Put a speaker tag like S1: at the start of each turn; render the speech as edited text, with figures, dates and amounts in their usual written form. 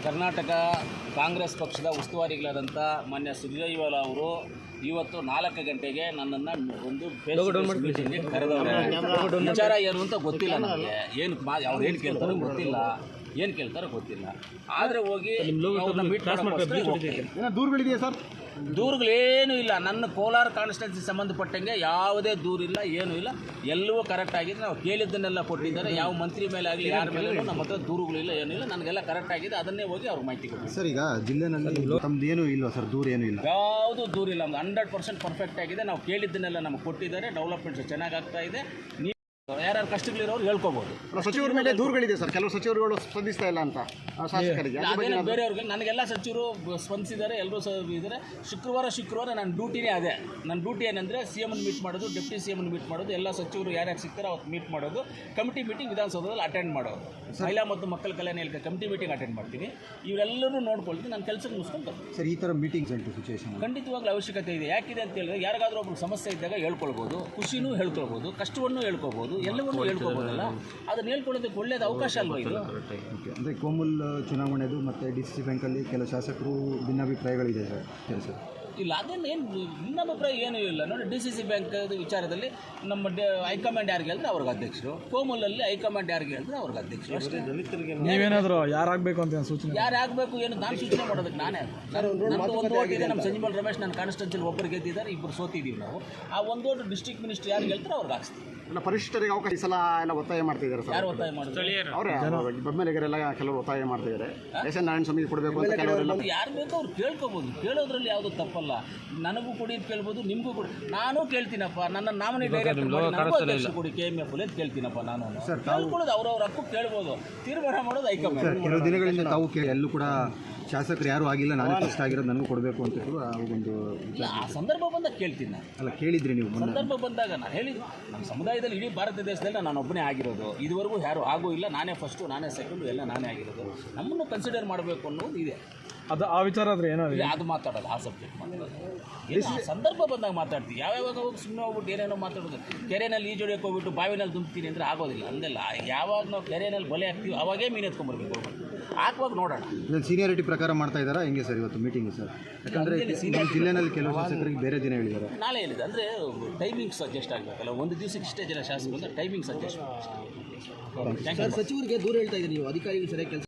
S1: ಕರ್ನಾಟಕ ಕಾಂಗ್ರೆಸ್ ಪಕ್ಷದ ಉಸ್ತುವಾರಿಗಳಾದಂಥ ಮಾನ್ಯ ಸುರ್ಜೇವಾಲ ಅವರು ಇವತ್ತು 4 ಗಂಟೆಗೆ ನನ್ನನ್ನು ಒಂದು ಮೀಟಿಂಗ್ಗೆ ಕರೆದವರು. ವಿಚಾರ ಏನು ಅಂತ ಗೊತ್ತಿಲ್ಲ ನನಗೆ, ಅವ್ರು ಏನು ಕೇಳ್ತಾರೋ ಗೊತ್ತಿಲ್ಲ, ಏನು ಕೇಳ್ತಾರೋ ಗೊತ್ತಿಲ್ಲ. ಆದರೆ ಹೋಗಿ
S2: ದೂರುಗಳಿದೆಯಾ ಸರ್?
S1: ದೂರುಗಳೇನೂ ಇಲ್ಲ. ನನ್ನ ಕೋಲಾರ ಕಾನ್ಸ್ಟಿಟ್ಯೂನ್ಸಿ ಸಂಬಂಧಪಟ್ಟಂಗೆ ಯಾವುದೇ ದೂರಿಲ್ಲ, ಏನೂ ಇಲ್ಲ. ಎಲ್ಲವೂ ಕರೆಕ್ಟ್ ಆಗಿದೆ. ನಾವು ಕೇಳಿದ್ದನ್ನೆಲ್ಲ ಕೊಟ್ಟಿದ್ದಾರೆ. ಯಾವ ಮಂತ್ರಿ ಮೇಲೆ ಆಗಲಿ ಯಾರ ಮೇಲೂ ನಮ್ಮ ಹತ್ರ ದೂರುಗಳಿಲ್ಲ, ಏನೂ ಇಲ್ಲ. ನನಗೆಲ್ಲ ಕರೆಕ್ಟ್ ಆಗಿದೆ. ಅದನ್ನೇ ಹೋಗಿ ಅವ್ರಿಗೆ ಮಾಹಿತಿ ಕೊಡ್ತೀವಿ.
S2: ಸರ್, ಈಗ ಜಿಲ್ಲೆನಲ್ಲಿ ತಮ್ಮದು ಏನೂ ಇಲ್ವಾ ಸರ್? ದೂರ ಏನೂ ಇಲ್ಲ?
S1: ಯಾವುದೂ ದೂರಿಲ್ಲ. ನಮ್ದು 100% ಪರ್ಫೆಕ್ಟ್ ಆಗಿದೆ. ನಾವು ಕೇಳಿದ್ದನ್ನೆಲ್ಲ ನಮಗೆ ಕೊಟ್ಟಿದ್ದಾರೆ. ಡೆವಲಪ್ಮೆಂಟ್ಸ್ ಚೆನ್ನಾಗಿ ಆಗ್ತಾ ಇದೆ. ಯಾರ್ಯಾರು ಕಷ್ಟಗಳಿರೋರು ಹೇಳ್ಕೋಬಹುದು.
S2: ಸಚಿವರ ಮೇಲೆ ದೂರುಗಳಿದೆ ಸರ್, ಕೆಲವು ಸಚಿವರುಗಳು ಸ್ಪಂದಿಸ್ತಾ ಇಲ್ಲ ಅಂತ ಶಾಸಕರಿಗೆ.
S1: ಅದೇನು ಬೇರೆಯವ್ರಿಗೆ, ನನಗೆಲ್ಲ ಸಚಿವರು ಸ್ಪಂದಿಸಿದ್ದಾರೆ, ಎಲ್ಲರೂ ಇದ್ದಾರೆ. ಶುಕ್ರವಾರ ನನ್ನ ಡ್ಯೂಟಿನೇ ಅದೇ. ನನ್ನ ಡ್ಯೂಟಿ ಏನಂದರೆ CM ಮೀಟ್ ಮಾಡೋದು, ಡೆಪ್ಟಿ CM ಮೀಟ್ ಮಾಡೋದು, ಎಲ್ಲ ಸಚಿವರು ಯಾರ್ಯಾರು ಸಿಗ್ತಾರೆ ಅವತ್ತು ಮೀಟ್ ಮಾಡೋದು, ಕಮಿಟಿ ಮೀಟಿಂಗ್ ವಿಧಾನಸೌಧದಲ್ಲಿ ಅಟೆಂಡ್ ಮಾಡೋದು, ಮಹಿಳಾ ಮತ್ತು ಮಕ್ಕಳ ಕಲ್ಯಾಣ ಇಲಾಖೆ ಕಮಿಟಿ ಮೀಟಿಂಗ್ ಅಟೆಂಡ್ ಮಾಡ್ತೀನಿ. ಇವರೆಲ್ಲರೂ ನೋಡ್ಕೊಳ್ತೀನಿ. ನನ್ನ ಕೆಲಸಕ್ಕೆ ಮುಗಿಸ್ಕೊಂಡು ಬರ್ತೀನಿ.
S2: ಸರ್, ಈ ಥರ ಮೀಟಿಂಗ್ಸ್ ಉಂಟು ಸಿಚುವೇಶನ್
S1: ಖಂಡಿತವಾಗ್ಲೂ ಅವಶ್ಯಕತೆ ಇದೆ. ಯಾಕಿದೆ ಅಂತ ಹೇಳಿದ್ರೆ, ಯಾರಿಗಾದ್ರೂ ಒಬ್ರು ಸಮಸ್ಯೆ ಇದ್ದಾಗ ಹೇಳ್ಕೊಳ್ಬೋದು, ಖುಷಿನೂ ಹೇಳ್ಕೊಳ್ಬೋದು, ಕಷ್ಟವನ್ನು ಹೇಳ್ಕೊಬೋದು, ಎಲ್ಲವನ್ನೂ ಹೇಳ್ಕೊಬೋದಲ್ಲ. ಅದನ್ನು ಹೇಳ್ಕೊಳ್ಳೋದಕ್ಕೆ ಒಳ್ಳೆಯದು ಅವಕಾಶ ಅಲ್ವಾ ಇದು?
S2: ಅಂದರೆ ಕೋಮುಲ್ ಚುನಾವಣೆದು ಮತ್ತು DCC ಬ್ಯಾಂಕಲ್ಲಿ ಕೆಲವು ಶಾಸಕರು ಭಿನ್ನಾಭಿಪ್ರಾಯಗಳಿದೆ ಸರ್.
S1: ಇಲ್ಲ, ಅದೇನು ಭಿನ್ನಾಭಿಪ್ರಾಯ ಏನೂ ಇಲ್ಲ. ನೋಡಿ, DCC ಬ್ಯಾಂಕ್ ವಿಚಾರದಲ್ಲಿ ನಮ್ಮ ಹೈಕಮಾಂಡ್ ಯಾರಿಗೆ ಹೇಳಿದ್ರೆ ಅವ್ರಿಗೆ ಅಧ್ಯಕ್ಷರು, ಕೋಮುಲಲ್ಲಿ ಹೈಕಮಾಂಡ್ ಯಾರಿಗೆ ಹೇಳಿದ್ರೆ ಅವ್ರಿಗೆ ಅಧ್ಯಕ್ಷರು ಅಷ್ಟೇ.
S3: ನೀವೇನಾದರೂ ಯಾರಾಗಬೇಕು ಅಂತ ಸೂಚನೆ?
S1: ಯಾರಾಗಬೇಕು ಏನು ನಾನು ಸೂಚನೆ ಮಾಡೋದಕ್ಕೆ ನಾನೇ. ನಮ್ಮದು ಒಂದು ಓಟ್ ಇದೆ. ನಮ್ಮ ಸಂಜೀವಲ್ ರಮೇಶ್ ನನ್ನ ಕಾನ್ಸ್ಟಿಟ್ಯೂನ್ಸಿಲಿ ಒಬ್ಬರು ಗೆದ್ದಿದ್ದಾರೆ, 2 ಸೋತಿದ್ದೀವಿ ನಾವು. ಆ ಒಂದು ಓಟ್ ಡಿಸ್ಟ್ರಿಕ್ಟ್ ಮಿನಿಸ್ಟರ್ ಯಾರಿಗೆ ಹೇಳ್ತಾರೆ ಅವ್ರಿಗೆ ಹಾಕ್ಸ್ತೀವಿ.
S2: ಪರಿಶಿಷ್ಟರಿಗೆ ಅವಕಾಶ ಈ ಸಲ ಎಲ್ಲ ಒತ್ತಾಯ ಮಾಡ್ತಿದ್ದಾರೆ ಸರ್.
S1: ಯಾರು ಒತ್ತಾಯ ಮಾಡಿದ್ರು?
S2: ಅವರೇ ಬೊಮ್ಮೆಲೆಗರೆಲ್ಲ ಕೆಲವರು ಒತ್ತಾಯ ಮಾಡ್ತಿದ್ದಾರೆ. SN ನಾರಾಯಣ ಸ್ವಾಮಿಗೆ ಕೊಡಬೇಕು ಅಂತ ಕೆಲವರೆಲ್ಲ.
S1: ಯಾರು ಬೇಕೋ ಅವ್ರು ಕೇಳ್ಕೊಬೋದು. ಕೇಳೋದ್ರಲ್ಲಿ ಯಾವುದೂ ತಪ್ಪಲ್ಲ. ನನಗೂ ಕೊಡಿ ಅಂತ ಕೇಳ್ಬೋದು, ನಿಮಗೂ ಕೊಡಿ. ನಾನು ಕೇಳ್ತೀನಪ್ಪ, ನನ್ನ ನಾಮಿನಿ ಡೈರೆಕ್ಟರ್ ಕೊಡಿ KMF ಅಂತ ಕೇಳ್ತೀನಪ್ಪ. ನಾನು ಕೇಳ್ಕೊಳ್ಳೋದು ಅವ್ರವ್ರ ಹಕ್ಕು, ಕೇಳ್ಬೋದು. ತೀರ್ಮಾನ ಮಾಡೋದು ಹೈಕಮಾಂಡ್.
S2: ಕೆಲವು ದಿನಗಳಿಂದ ತಾವು ಎಲ್ಲೂ ಕೂಡ ಶಾಸಕರು ಯಾರೂ ಆಗಿಲ್ಲ, ನಾನೇ ಫಸ್ಟ್ ಆಗಿರೋದು, ನನಗೂ ಕೊಡಬೇಕು ಅಂತ ಒಂದು
S1: ಆ ಸಂದರ್ಭ ಬಂದಾಗ ಕೇಳ್ತೀನಿ ನಾನು.
S2: ಅಲ್ಲ, ಕೇಳಿದ್ರಿ ನೀವು?
S1: ಸಂದರ್ಭ ಬಂದಾಗ ನಾನು ಹೇಳಿದ್ದು, ನಮ್ಮ ಸಮುದಾಯದಲ್ಲಿ ಇಡೀ ಭಾರತ ದೇಶದಲ್ಲಿ ನಾನು ಒಬ್ಬನೇ ಆಗಿರೋದು. ಇದುವರೆಗೂ ಯಾರೂ ಆಗೂ ಇಲ್ಲ. ನಾನೇ ಫಸ್ಟು, ನಾನೇ ಸೆಕೆಂಡು, ಎಲ್ಲ ನಾನೇ ಆಗಿರೋದು. ನಮ್ಮನ್ನು ಕನ್ಸಿಡರ್ ಮಾಡಬೇಕು ಅನ್ನೋದು ಇದೆ.
S3: ಅದು ಆ ವಿಚಾರ ಆದರೆ ಏನಾದ್ರು
S1: ಅದು ಮಾತಾಡೋದು, ಆ ಸಬ್ಜೆಕ್ಟ್ ಮಾತಾಡೋದು. ಸಂದರ್ಭ ಬಂದಾಗ ಮಾತಾಡ್ತೀವಿ. ಯಾವ್ಯಾವಾಗ ಹೋಗಿ ಸುಮ್ಮನೆ ಹೋಗ್ಬಿಟ್ಟು ಏನೇನೋ ಮಾತಾಡೋದು. ಕೆರೆಯಲ್ಲಿ ಈಜೊಡೆಯಕ್ಕೆ ಹೋಗ್ಬಿಟ್ಟು ಬಾವಿನಲ್ಲಿ ದುಂಬ್ತೀನಿ ಅಂದರೆ ಆಗೋದಿಲ್ಲ. ಅಂದೆಲ್ಲ ಯಾವಾಗ ನಾವು ಕೆರೆಯಲ್ಲಿ ಬಲೆ ಹಾಕ್ತೀವಿ ಅವಾಗೇ ಮೀನು ಎತ್ಕೊಂಡ್ಬರ್ಬೇಕು. ಹಾಕುವಾಗ ನೋಡೋಣ.
S2: ಸೀನಿಯಾರಿಟಿ ಪ್ರಕಾರ ಮಾಡ್ತಾ ಇದ್ದಾರಾ ಹೆಂಗೆ ಸರ್ ಇವತ್ತು ಮೀಟಿಂಗ್ ಸರ್? ಯಾಕಂದರೆ ಜಿಲ್ಲೆನಲ್ಲಿ ಕೆಲವು ಶಾಸಕರಿಗೆ ಬೇರೆ ದಿನ ಹೇಳಿದ್ದಾರೆ.
S1: ನಾಳೆ ಹೇಳಿದೆ ಅಂದರೆ ಟೈಮಿಂಗ್ಸ್ ಅಡ್ಜಸ್ಟ್ ಆಗಬೇಕಲ್ಲ. ಒಂದು ದಿವಸಕ್ಕೆ ಇಷ್ಟೇ ಜನ ಶಾಸಕರು ಅಂದರೆ ಟೈಮಿಂಗ್ಸ್ ಅಡ್ಜಸ್ಟ್.
S4: ಸಚಿವರಿಗೆ ದೂರ ಹೇಳ್ತಾ ಇದ್ದೀರಿ ನೀವು, ಅಧಿಕಾರಿಗಳು ಸರಿಯಾಗಿ ಕೆಲಸ